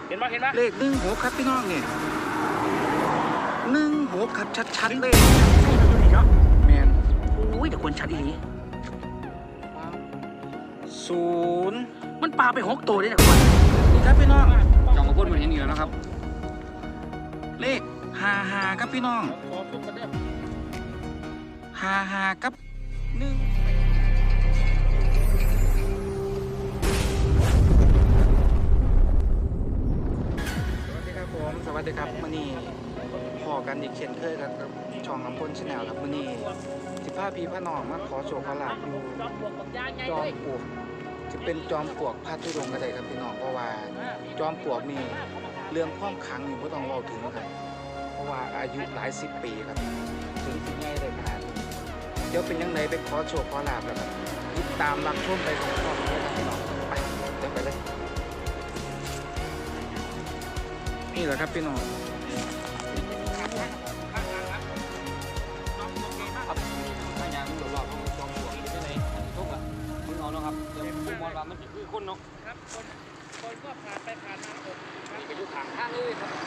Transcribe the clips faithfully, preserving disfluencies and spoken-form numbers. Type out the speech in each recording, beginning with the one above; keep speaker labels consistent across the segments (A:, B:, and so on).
A: เห็นปะเห็นปะ
B: เลขหนึ่งหกครับพี่น้องเนี่ยหนึ่งหกครับชัดๆเลย
A: เนาะ
B: แมน
A: อุ้ยแต่ควรชัดอีนี้
B: ศูนย์
A: มันปลาไปหกตัวได้นะคน
B: นี่ครับพี่น้อง
C: จองกระพุ้นมันเห็นอยู่แล้วนะครับ
B: เลขห้าห้าครับพี่น้องห้าห้ากับหนึ่งผมสวัสดีครับมื่อนี้พอกันอีกเช่นเคยกับช่องลำพ้นชาแนลครับมื่อนี้สิบห้าพีพระนองมาขอโชคขอลาภอยู่จอมปลวกจะเป็นจอมปลวกพระธุดงค์ก็ได้ครับพี่น้องเพราะว่าจอมปลวกนี่เรื่องความขลังนี่ไม่ต้องเล่าถึงครับเพราะว่าอายุหลายสิบปีครับถึงที่ง่ายเลยขนาดนี้เดี๋ยวเป็นยังไงไปขอโชคขอลาภแล้วครับติดตามรับชมไปของพ่อเลยครับพี่น้องไปเดี๋ยวไปเลยนี่แหละครับพี่น้อง
C: ครับมีพยานหลอกหลอกของจอมปลวกที่ไหนทุกอ่ะมึงเอาเนาะครับเดี๋ยวมึงมองว่ามันคือคนเนาะ
A: ครับคนคนก็ผ่านไปผ่านมาผม
C: มีไปอยู่ทางข้างเลยครับ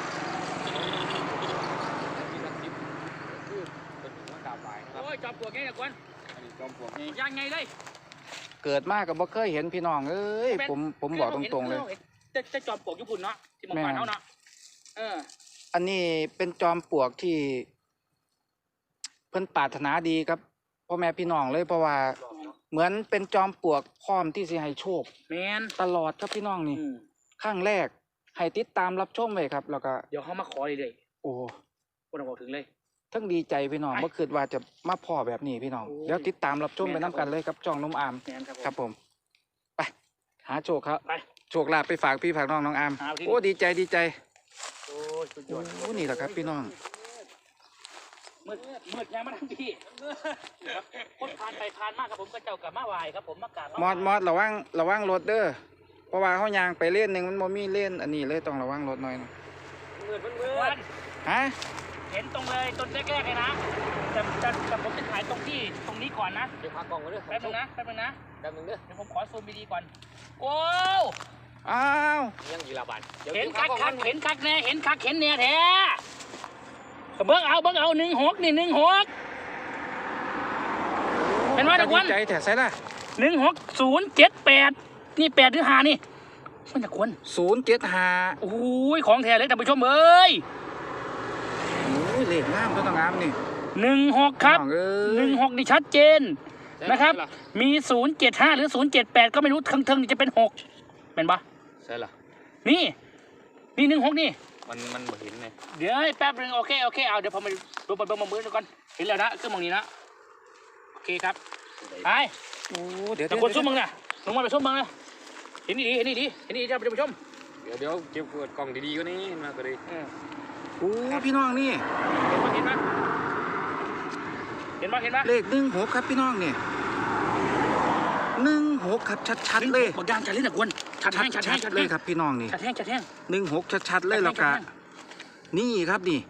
C: มีกระติบคือเป็นหัวกาบไหวนะครับ
A: โอ้ยจอมปลวกไงเนี่ยคน
C: อันนี้จอมปลวกนี่
A: ยังไงเลย
B: เกิดมากกับบ่เคยเห็นพี่น้องเอ้ยผมผมบอกตรงๆเลย
A: จะจะจอมปลวกญี่ปุ่นเนาะที่มองผ่านเขาเนาะเออ
B: อันนี้เป็นจอมปลวกที่เพิ่นปรารถนาดีครับพ่อแม่พี่น้องเลยเพราะว่าเหมือนเป็นจอมปลวกพร้อมที่จะให้โชค
A: แมน
B: ตลอดครับพี่น้องนี่ข้างแรกให้ติดตามรับชมไว้ครับแล้วก็
A: เดี๋ยวเขามาขอเลยเลย
B: โอ้
A: คนบอกถึงเลย
B: ทั้งดีใจพี่น้องเมื่อคืนว่าจะมาพ่อแบบนี้พี่น้องเดี๋ยวติดตามรับชมไปน้ำกันเลยครับจ้องน้องอามครับผมไปหาโชคครับ
A: ไป
B: โชคลาภไปฝากพี่ฝากน้องน้องอามโอ้ดีใจดีใจ
A: โอ้ยสุดยอด
B: โอ้นี่แหละครับพี่น้อง
A: มืดมืดยังมาทั้งพี่คนผ่านไปผ่านมากครับผมก็เจ้ากับมาไหวครับผมมากราบ
B: มอดมอดระวังระวังรถเด้อเพราะว่าเขายางไปเล่นหนึ่งมันโมมีเล่นอันนี้เลยต้องระวังรถหน่อย
A: มืดมันมืด
B: ฮะ
A: เห็นตรงเลยต้นแรกๆเลยนะแต่แต่แต่ผมจะถ่ายตรงที่ตรงนี้ก่อนนะ
C: เดี๋ยวพักกล้องไว้ด้วย
A: แป๊บนึงนะแป๊บนึงนะ
C: แป๊บนึงเด้อ
A: เดี๋ยวผมขอซูมดีๆก่อนโอ้
B: อ้าว
C: ยังยีราบัน
A: เห็นคักคักเห็นคักแน่เห็นคักเห็นแน่แท้เบิ้งเอาเบิ้งเอาหนึ่งหกนี่หนึ่งหกเป็นว่าทุกคน
B: ใจแถใส่ละ
A: หนึ่งหกศูนย์เจ็ดแปดนี่แปดหรือหานี่มันจะควร
B: ศูนย์เจ็ดหา
A: โอ้ยของแท้เลยท่านผู้ชมเอ้ย
B: โอ้ยเลขงามก็ต้องงามนี่
A: หนึ่งหกครับหนึ่งหกนี่ชัดเจนนะครับมีศูนย์เจ็ดห้าหรือศูนย์เจ็ดแปดก็ไม่รู้ทั้งทั้งนี่จะเป็นหกเป็นปะ
C: ใช่หรอ
A: นี่นี่หนึ่งหกนี่
C: มันมันเห็นไง
A: เดี๋ยวแป๊บนึงโอเคโอเคเอาเดี๋ยวผมมาดูบนบนมือดูก่อนเห็นแล้วนะเครื่องมองนี้นะโอเคครับไป
B: โอ้เดี๋ยว
A: แต่คนชุ่มมึงนะลงมาไปชุ่มมึงนะเห็นดีเห็นดีเห็นดีจะไปชม
C: เดี๋ยวเดี๋ยวเก็บกล่องดีๆก็นี่มาก็ดี
B: โอ้พี่น้องนี่
A: เห็นไหมเห็นไหมเห็นไหม
B: เลขหนึ่งหกครับพี่น้องเนี่ยหนึ่งหกครับชัดๆเลย
A: บอกยางชัดเลยนะควรชัดแห้งชัดแห้งชัด
B: เลยครับพี่น้องนี่
A: ชัดแห้งชัดแห้ง
B: หนึ่งหกชัดๆเลยแล้วก็นี่ครับนี่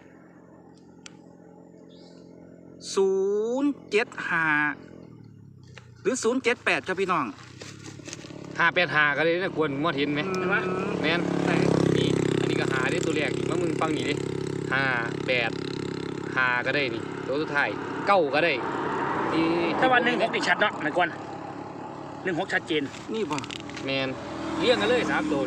B: ศูนย์เจ็ดห้าหรือศูนย์เจ็ดแปดครับพี่น้อง
C: ห้าแปดห้าก็เลยนะควรมอดเห็นไหมแมนนี่อันนี้ก็หาได้ตัวแรกเมื่อมึงฟังนี่ดิห้าแปดห้าก็ได้นี่ตัวสุดท้ายเก้าก็ได้
A: ที่ถ้าวันหนึ่งหกติดชัดเนาะนายกวนหนึ่งหกชัดเจน
B: นี่ป่ะ
C: แมนเลี้ยงกันเลยสามตัว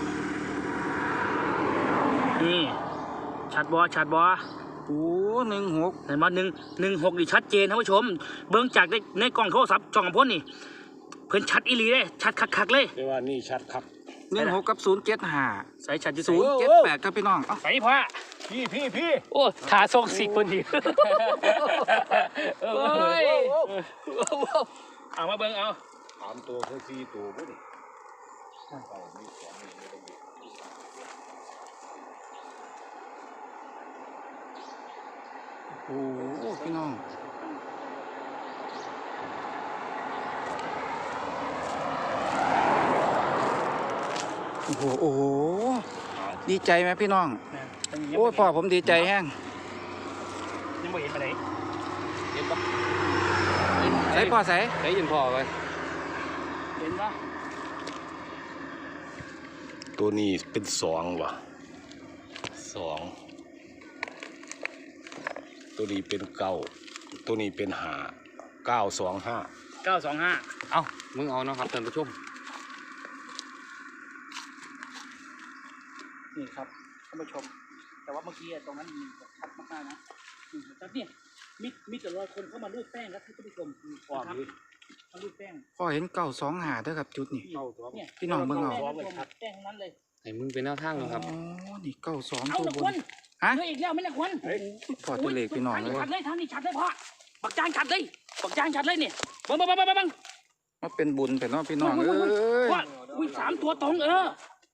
A: นี่ชัดบอชัดบอ
B: โอ้หนึ่งหก
A: เห็นไหมหนึ่งหนึ่งหกนี่ชัดเจนท่านผู้ชมเบื้องจากในในกล้องโทรศัพท์ช่องของพ่นนี่เพิ่นชัดอีหลีเลยชัดคักๆเลย
C: เรียกว่านี่ชัดครับ
B: หนึ่งหกกับศูนย์เจ็ดห้า
A: ใส่ชัด
B: ศูนย์เจ็ดแปดครับพี่น้อง
A: ใส่พ่อพี่พี่พี่โอ้ขาทรงสิคนดีโอ้ยเอามาเบิ้งเอา
C: สามตัวคือสี่ตัวพุ่น
B: โอ้พี่น้องโอ้โหโอ้โหดีใจไหมพี่น้องโอ้พ่อผมดีใจแห้ง
A: ยังไม่เห็นไปไหน
C: เห็นปะ
B: ใส่พ่อใส่
C: ใส่ยินพ่อไป
A: เห็นปะ
D: ตัวนี้เป็นสองวะสองตัวนี้เป็นเก้าตัวนี้เป็นหาเก้าสองห้า
A: เก้าสองห้า
C: เอ้ามึงเอาเนาะครับท่านผู้ชม
A: นี่ครับท่านผู้ชม แต่ว่าเมื่อกี้ตรงนั้นมีชัดมากๆนะนี่ครับเนี่ยมีมีแต่รอยคนเข้ามาลูบแป้งครับท่านผู้ชมครับมาลูบแป้ง
B: พ่อเห็นเก้าสองหาเด้อครับจุดนี่
A: เนี่ย
B: พี่น้องเบิ่งเอา
A: แป้งแป้งทั้งนั้นเลย
C: ให้มึงเป็นแนวทางเนาะครับ
B: อ๋อนี่เก้าสอง
A: เอา
B: ตัว
A: หนัก
B: บ
A: ควน
B: นฮะ
A: เหลืออีกแล้วไม่หนักควน
B: พอตัวเลขพี่น้องเลย
A: ชัดเลยทางนี้ชัดเลยพ่อบักจางชัดเลยบักจางชัดเลยเนี่ยบังบังบังบังบัง
B: มาเป็นบุญแต่เนาะพี่น้องเอ้ย
A: ว่าอุ้ยสามตัวตรงเออ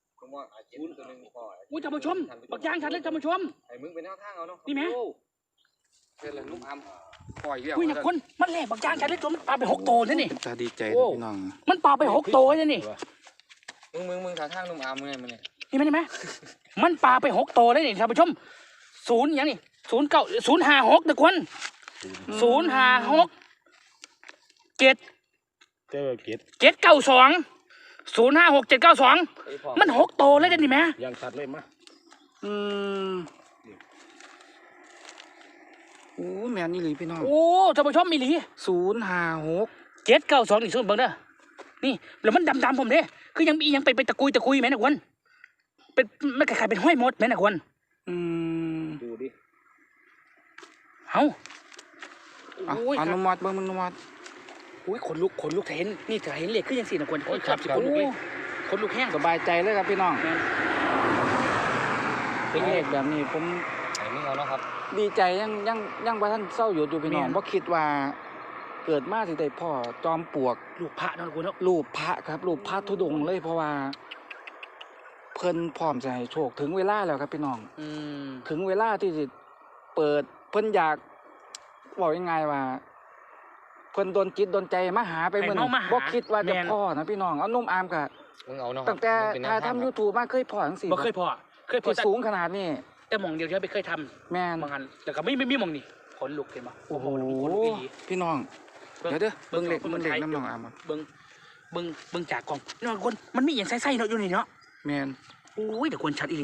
A: อุ้ยท่านผู้ชมบักจางชัดเลยท่านผู้ชม
C: ให้มึงเป็นแนวทางเอาเนาะ
A: นี่ไหม
C: เป็นเลยลูกอำปล่อยเรียก
A: อุ้ยหนักควนมันแหลกบักจางชัดเลยตัวมันปลาไปหกตัวเลยนี่
B: ตาดีใจเด้อพี่น้อง
A: มันปลาไปหกตัวเลยนี่
C: มึงมึงมึงท่าทางนุ่มอำมึงไงมึงเนี่ย
A: นี่ไหมนี่ไหมมันปลาไปหกตัวเลยนี่ท่านผู้ชมศูนย์อย่างนี่ศูนย์เก้าศูนย์ห้าหกนะควนศูนย์ห้าหกเจ็ด
D: เจ้าเกต
A: เจ็ดเก้าสองศูนย์ห้าหกเจ็ดเก้าสองมันหกตัวเลยเด้นี่แม่
D: ยังชัดเลยมะ
B: อืมโอ้แม่นนี่เลยพี่น้อง
A: โอ้ท่านผู้ชมมีหลี
B: ศูนย์ห้าหก
A: เจ็ดเก้าสองนี่ส่วนเบิ่งเด้อนี่แล้วมันดำๆผมเด้คือยังมียังไปไปตะกุยตะกุยแม่นะควนเป็นมันคล้ายๆเป็นห้อยมดแม่นะควน
B: อืม
D: ดูดิ
A: เอ้า
B: อ่ะ
A: โอ้ย
B: อ
A: ครั
B: นุ
A: บ
B: มัติเบิ่งอนุมัติ
A: โอ้ยขนลุกขนลุกเห็นนี่ถ้าเห็นเหล็กคือยังสี่นะควนโอ้ยครับสิขนลุกเลยขนลุกแห้ง
B: สบายใจเลยครับพี่น้อง
A: แม่น
B: เป็นเลขแบบนี้ผม
C: ให้มึงเอาเนาะครับ
B: ดีใจยังยังยังว่าท่านเศร้าอยู่อยู่พี่น้องเพราะคิดว่าเกิดมาสิได้พ่อจอมปลวก
A: ลูกพระเนาะควนเนาะ
B: รูปพระครับรูปพระธุดงค์เลยเพราะว่า เพิ่นพร้อมจะให้โชคถึงเวลาแล้วครับพี่น้อง
A: อืม
B: ถึงเวลาที่จะเปิดเพิ่นอยากบอกยังไงว่าเพิ่นโดนจิตโดนใจมาหาไปมื้อนี้บ่คิดว่าจะพ่อนะพี่น้องเอานุ่มอามกะ
C: มึงเอาเนาะ
B: ตั้งแต่ถ่ายทำ YouTube มาเคยพ่อจังซี่
A: บ่เคยพอเคยพอ
B: ที่
A: แต่
B: สูงขนาดนี้
A: แต่หมองเดียวที่ไม่เคยท
B: แม่น
A: ำบางอันแต่ก็ไม่ไม่มีหมองนี่ขนลุกเห็นปะ
B: โอ้โห
A: ขนลุกอีหลี
B: พี่น้องเดี๋ยวเด้อเบิ่งเลข
A: เบิ่ง
B: เบิ่งเลข
A: ไทย
B: น้ำน้องอามครับ
A: เบิ้งเบิ้งเบิ้งจากกล่องนี่คนมันมีอย่างไส้ๆเนาะอยู่นี่เนาะ
B: แม่น
A: โอ้ยเดี๋ยวควรชัดอีหลี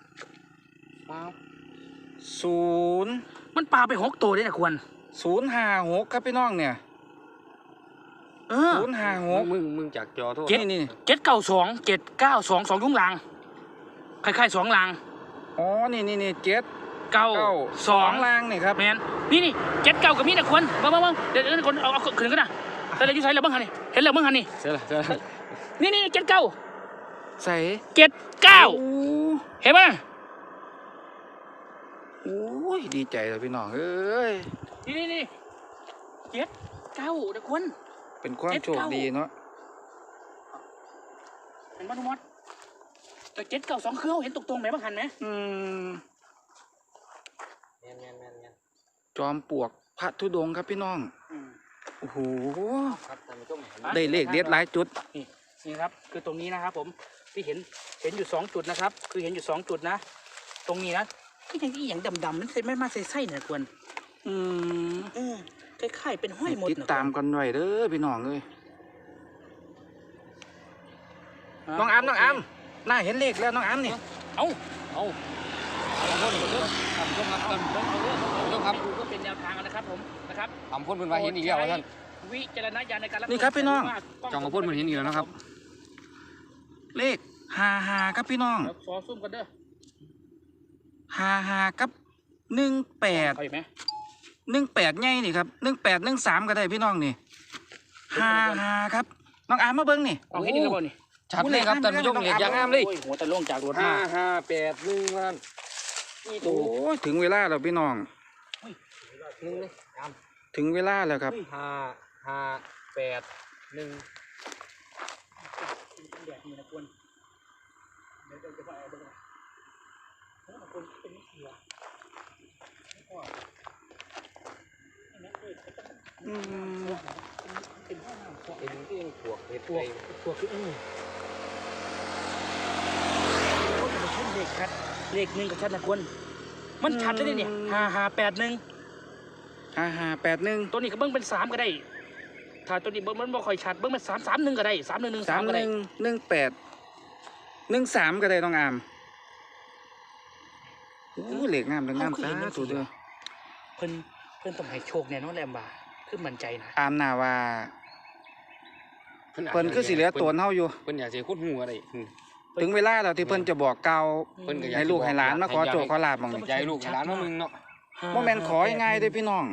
B: ศูนย์
A: มันปลาไปหกตัวเลยนะควร
B: ศูนย์ห้าหกครับพี่น้องเนี่ย
A: เออ
B: ศูนย์ห้าหก
C: มึงมึงจากจอโทษ
B: นี่นี่
A: เจ็ดเก้าสองเจ็ดเก้าสองสองยุ้งลางคล้ายๆสองลาง
B: อ๋อนี่นี่นี่เจ็ด
A: เก้า
B: เก้า
A: สอง
B: ล่างนี่ครับ
A: แมนนี่นี่เจ็ดเก้ากับมีนะควรเบิ้งเบิ้งเบิ้งเดี๋ยวเดี๋ยวคนเอาเอาขึ้นกันนะแต่เราอยู่ใส่แล้วเบิ้งหันนี่เห็นแล้วเบิ้งหันนี่
C: เสร็จแล้วเสร็จแล้ว
A: นี่นี่เจ็ดเก้า
B: ใส่
A: เจ็ดเก้า
B: โอ้
A: เห็นปะ
B: โอ้ยดีใจเลยพี่น้องเอ้ย
A: นี่นี่นี่เจ็ดเก้านะควร
B: เป็นความโชคดีเนาะ
A: เห็นปะทุกมดแต่เจ็ดเก้าสองเครื่องเห็นตรงๆไหมบ้างหันไหม
B: อืม
C: แม่นแม่นแม่นแม่น
B: จอมปลวกพระธุดงค์ครับพี่น้อง
A: อืม
B: โอ้โห
C: ครับท่านผู้ชม
B: ได้เลขเด็ดหลายจุด
A: นี่นี่ครับคือตรงนี้นะครับผมที่เห็นเห็นอยู่สองจุดนะครับ คือเห็นอยู่สองจุดนะ ตรงนี้นะก็ยังอีหยังดำๆมันไม่มาใส่ไส้เนี่ยควร
B: อืม
A: เออคล้ายๆเป็นห้อยหมด
B: ติด
A: นะ
B: ตามกันไว้เด้อพี่น้องเอ้ยน้องอามน้องอามน่าเห็นเลขแล้วน้องอามนี่
A: เอ้า
C: เอาเอาพ่นเด้อท่านผู้ชมครับท่านผู้ชมท่านผู้ชมครับ
A: ดูก็เป็นแนวทางนะครับผมนะครับ
C: ทำพ่นเป็นว่าเห็นอีกแล้วท่าน
A: วิจารณญาณในการรับชม
B: นี่ครับพี่น้อง
C: จองมาพ่นเป็นเห็นอีกแล้วนะครับ
B: เลขห้าห้าครับพี่น้อง
A: เดี๋ยวขอซุ่มกันเด้อ
B: ห้าห้ากับหนึ่งแปด
A: เอาอีกไหม
B: หนึ่งแปดไงนี่ครับหนึ่งแปดหนึ่งสามก็ได้พี่น้องนี่ห้าห้าครับน้องอามมาเบิ้งนี่
A: เอาให้ดีแล้วบ่นี่
C: ชัดเลยครับท่านผู้ชมเหล็กยางงามเลย
A: โอ้ยหัวตะล่วงจากรถ
C: ห้า
A: มา
C: ห้าแปดหนึ่งท่าน
A: นี่
B: โอ้
A: ดู
B: ยถึงเวลาแล้วพี่น้อง
C: หนึ่งเลยยาม
B: ถึงเวลาแล้วครับ
C: ห้าห้าแปดหนึ่ง
A: แดดนี่นะควรเดี๋ยวจะไปเอาเบิ้งนะโอ้ยควรเป็นนิสัยอะไม่พอเห็นไหมเอ้ย
B: อืม
A: เป็นห้องน้ำ
C: เป็นที่ยังปวกเห็ด
A: ตัว
C: ไป
A: ตัวคืออือเลขชัดเลขหนึ่งกับชัดนะควรมันชัดได้เนี่ยห้าห้าแปดหนึ่ง
B: ห้าห้าแปดหนึ่ง
A: ตัวนี้ก็เบิ้งเป็นสามก็ได้ ถ้าตัวนี้เบิ้งมันบ่ค่อยชัดเบิ้งเป็นสามสามหนึ่งก็ได้สามหนึ่งหนึ่ง
B: สา
A: สาม
B: ม
A: ก็
B: ห
A: ได้
B: นึ่งหนึ่งแปดหนึ่งสามก็ได้น้องอามโอ้เหล็กงามเหล็กงามสาธุเด้อ
A: เพิ่นเพิ่นต้องให้โชคแน่นอนแหละบ่าคือมั่นใจนะ
B: อามน่าว่าเพิ่นคือสิเหลือตัวเฮาอยู่
C: เพิ่นอยากสิขุดหูอะไรอืม
B: ถึงเวลาแล้วที่เพิ่นจะบอกกล่าว
C: เพิ่นก็อยาก
B: ให้ลูกให้หลานมาขอโชคขอลาบบ้าง
C: อยา
B: นี่
C: กให้ลูกให้หลานมามึงเนาะ
B: บ่แม่นของ่ายๆเด้อพี่น้อง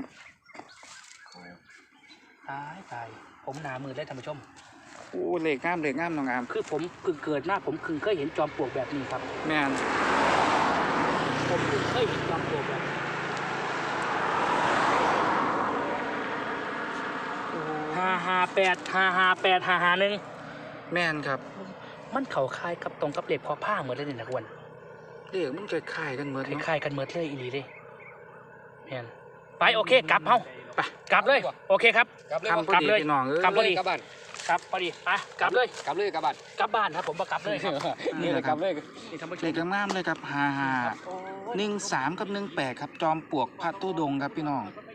A: ตายตายผมหนามือได้ท่านผู้ชม
B: โอ้เหล็กงามเหล็กงามน้องอาม
A: คือผมเพิ่งเกิดมาผมเพิ่งเคยเห็นจอมปลวกแบบนี้ครับ
B: แม่น
A: ผมเพิ่งเคยเห็นจอมปลวกแบบนี้ห้าห้าแปดห้าห้าแปดห้าห้าหนึ่ง
B: แม่นครับ
A: มันเข่าคล้ายกับตรงกับเหล็กพอผ้าเหมือนเลยนี่นะกวน
B: เลขมันคล้ายๆกันหมด
A: ค
B: เนาะ
A: ล้ายๆกันเหมือนเลยอีหลีเลยแม่นไปโอเคกลับเฮาไปกลับเลยโอเคครับ
C: กลับเลย
B: ทำพอดีพี่น้องเอ้ย
A: กลับ พอดี
C: กลับบ้าน
A: ครับพอดีไปกลับเลย
C: กลับเลยกลับบ้าน
A: กลับบ้านครับผมมากลับเลยครับ
C: นี่แหละกลับเลย
A: นี่ท่านผู้ช
B: เล
A: ม
B: ขงามๆเลยครับห้าห้า
A: โอ้ย
B: หนึ่งสามกับหนึ่งแปดครับจอมปลวกพระตุดงค์ครับพี่น้อง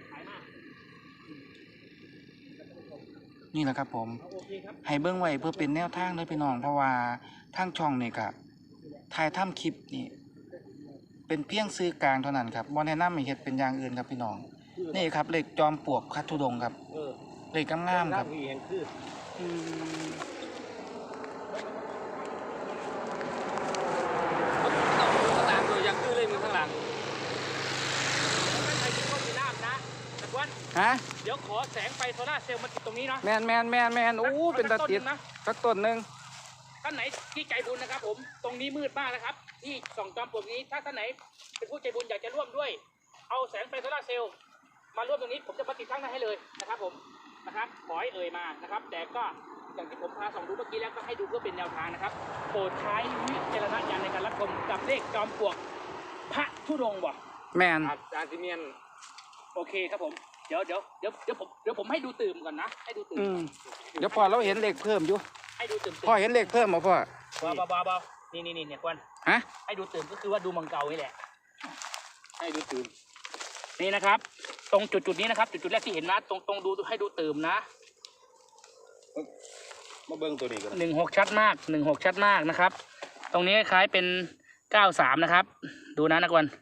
B: นี่แหละครับผม
A: โอเคครับ
B: ให้เบิ้งไว้เพื่อเป็นแนวทางเลยพี่น้อง เพราะว่าทางช่องนี่ครับถ่ายทำคลิปนี่เป็นเพียงซื้อกลางเท่านั้นครับบ่แนะนำให้เฮ็ดเป็นอย่างอื่นครับพี่น้อง นี่ครับเลขจอมปลวกพระธุดงค์ครับ
A: เออ
B: เลขงามๆครับ
A: เห็นคือ
B: อืม
C: ข้างหลังเลยยังคือเลยมึงข้างหลัง
A: ไม่ใช่ที่ต้นมีน้ำนะแต่ว่า
B: ฮะ
A: เดี๋ยวขอแสงไฟโซล่าร์เซลล์มาติดตรงนี้เนาะ
B: แมนแมนแมนแมนโอ้เป็นตาติด
A: นะ
B: สักต้นหนึ่ง
A: ท่านไหนที่ใจบุญนะครับผม ตรงนี้มืดมากนะครับ ที่ส่องจอมปลวกนี้ ถ้าท่านไหนเป็นผู้ใจบุญอยากจะร่วมด้วย เอาแสงไฟโซล่าร์เซลล์มาร่วมตรงนี้ ผมจะมาติดตั้งให้เลยนะครับผม นะครับ ขอให้เอ่ยมานะครับ แต่ก็อย่างที่ผมพาส่องดูเมื่อกี้แล้วก็ให้ดูเพื่อเป็นแนวทางนะครับ โปรดใช้วิจารณญาณในการรับชมกับเลขจอมปลวกพระธุดงค์บ่
B: แมน
C: อาจารย์ซิเมียน
A: โอเคครับผม เดี๋ยวเดี๋ยวเดี๋ยวเดี๋ยวผมเดี๋ยวผมให้ดูตื่มก่อนนะ ให้ดูตื่ม
B: อืมเดี๋ยวพอเราเห็นเลขเพิ่มอยู่
A: ให้ดูตื่ม
B: พ่อเห็นเลขเพิ่มบ่พ่อ
A: เบาเบาเบาเบานี่นี่นี่เนี่ยกวน
B: ฮะ
A: ให้ดูตื่มก็คือว่าดูมังเกานี่แหละ
C: ให้ดูตื่น
A: นี่นะครับ ตรงจุดจุดนี้นะครับ จุดจุดแรกที่เห็นนะตรงตรงดูให้ดูตื่มนะ
D: มาเบิ่งตัวนี้กัน
A: หนึ่งหกชัดมากหนึ่งหกชัดมากนะครับ ตรงนี้คล้ายเป็นเก้าสามนะครับ ดูนะนักวัน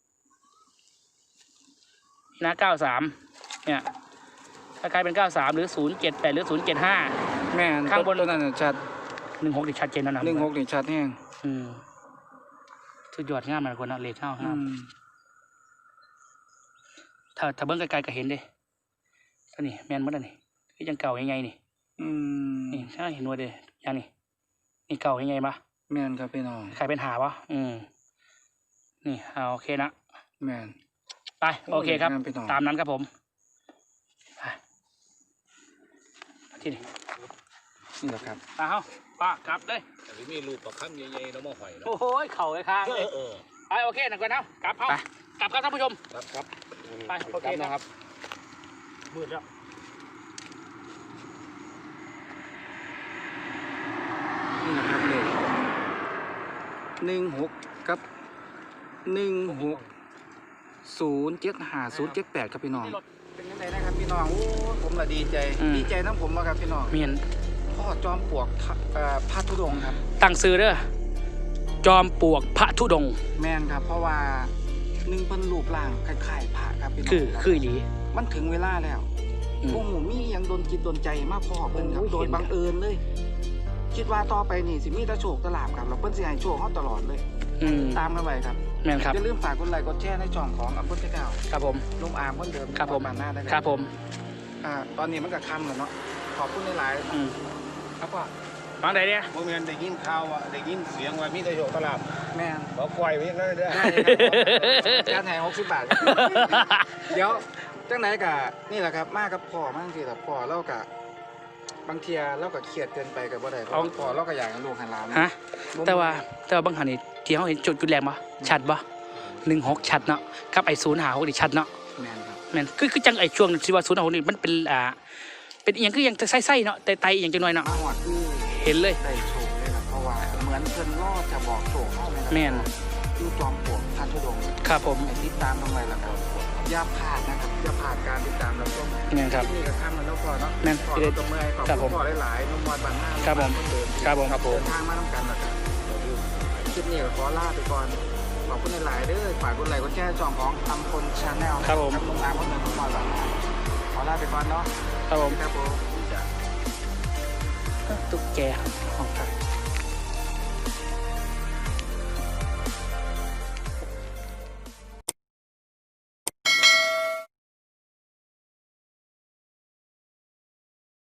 A: นะเก้าสามเนี่ยคล้ายๆเป็นเก้าสามหรือศูนย์เจ็ดแปดหรือศูนย์เจ็ดห้า
B: แมน
A: ข้างบน
B: ตัวนั้นน่ะชัด
A: หนึ่งหกนี่ชัดเจนแล้วนะ
B: หนึ่งหกนี่ชัดแห้ง
A: อืมสุดยอดงามนะคนนะเลขเท่า
B: อื
A: งาม
B: ม
A: ถ้าถ้าเบิ้งไกลๆก็เห็นเด้ท่านี่แมนหมดแล้วนี่คือยังเก่ายังไงนี่
B: อืม
A: นี่ถ้าเห็นว่าเด้ยังนี่นี่เก่ายังไงปะ
B: แมนครับพี่น้อง
A: ใครเป็นหาวะอืมนี่เอาโอเคนะ
B: แมน
A: ไปโอเคครับ
B: งามไปต่อ
A: ตามนั้นครับผมไปที่นี่
B: นี่แหละครับ
A: ตาเฮาป้ากลับเลย
D: อันนี้มีรูปประคำใหญ่ๆแล้วมาหอยเนาะ
A: โอ้โหเข่าเลยข้าง
D: เอ
A: เลย
D: อเออ
A: ไปโอเคหนักกว่านะกลับเฮา
B: ไป
A: กลับครับท่านผู้ชม
D: ครับครับ
A: ไปโอเค
C: นะ
A: ค
C: ค
A: รั
C: รับ บ
A: มืดแล้ว
B: นี่นะครับเลขหนึ่งหกกับหนึ่งหกศูนย์เจ็ดห้าศูนย์เจ็ดแปดครับพี่น้อง เป็นยังไงนะครับพี่น้อง โอ้ผมละดีใจ ดีใจน้ำผมมาครับพี่น้อง
A: เมียน
B: พ่อจอมปลวกทะเอ่อพระธุดงค์ครับ
A: ตั้งซื้อเด้อจอมปลวกพระธุดงค์
B: แมนครับ เพราะว่าหนึ่งเป็นรูปร่างคล้ายๆพระครับพี่น้อง
A: คือคืออีหลี
B: มันถึงเวลาแล้ว
A: อืม
B: พวกหมูมีอยังโดนจิตโดนใจมากพ่อเพิ่นครับ
A: โอ้ย
B: โดย
A: เห็น
B: บังเอิญเลย คิดว่าต่อไปนี่สิมีแต่โชคแตลาบครับแล้วเพิ่นสิให้โชคเฮาตลอดเลย
A: อืม
B: ตามกันไว้ครับ
A: แม่นครับ
B: อย่าลืมฝากกดไลค์กดแชร์ในช่องของอัปเปิลเจ้า
A: ครับผม
B: ลุงอาร์มคนเดิม
A: ครับผม
B: บ้านหน้าได้เลย
A: ครับผม
B: อ่าตอนนี้มันก็ค่ำแล้วเนาะขอบคุณหลาย
A: อืม
B: ๆครับพ่อ
A: ฟังได้เนี่ย
D: โมเมนได้ยินข่าวว่าได้ยินเสียงว่ามีแต่โชคตลาด
B: แม่น
D: ขอปล่อยไว้เลยเด้อ
B: ได้ครับการแห่หกสิบบาทครับเดี๋ยวจังไหนกะนี่แหละครับมากับพ่อมาจังซี่ล่ะพ่อเรากะบางเทียเราก็เครียดเกินไปกับบ่ได้เพราะว่าพ่อเราก็อยากให้ลูกให้หลาน
A: ฮะ แต่ว่าแต่ว่าบางหันนี่ที่เขาเห็นจุดจุดแรงปะชัดปะหนึ่งหกชัดเนาะกับไอ้ศูนย์หาหกนี่ชัดเนาะ
B: แม่นครับ
A: แม่นคือคือจังไอ้ช่วงที่ว่าศูนย์หาหกนี่มันเป็นอ่าเป็นอหย่างคืออหย่างไส้ๆเนาะไตไตอหย่างจังหน่อยเนาะ
B: มาหอดคือ
A: เห็นเลย
B: ได้โชคเลยครับเพราะว่าเหมือนเพิ่นรอดจะบอกโชคเฮาเลยครับ
A: แม่น
B: อยู่จอมปลวกพระธุดงค์
A: ครับผม
B: ให้ติดตามทำไมล่ะครับอย่าพลาดนะครับอย่าพลาดการติดตามเราชม
A: แม่นครับ
B: ที่นี่ก็ทำแล้วเนาะพ่อเนาะ
A: แม่น
B: ขอเราตบมือให้ขอบ
A: ครับผ
B: คุ
A: ม
B: ณพ่อหลายๆนุ่มมอดบันหน้า
A: ครับผม
B: นเดิม
A: ครับผม
B: เดินทางมาน้ำกันนะครับลิปนี้ก็ขอลาไปก่อนขอบคุณหลายๆเด้อฝากกดไลค์กดแชร์ช่องของอัมพลชาแนลนะครับลงน้ำคนเดินคนมาหลังขอลาไปก่อนเนาะ
A: ครับผม
B: ครับผมตุ๊กแกของ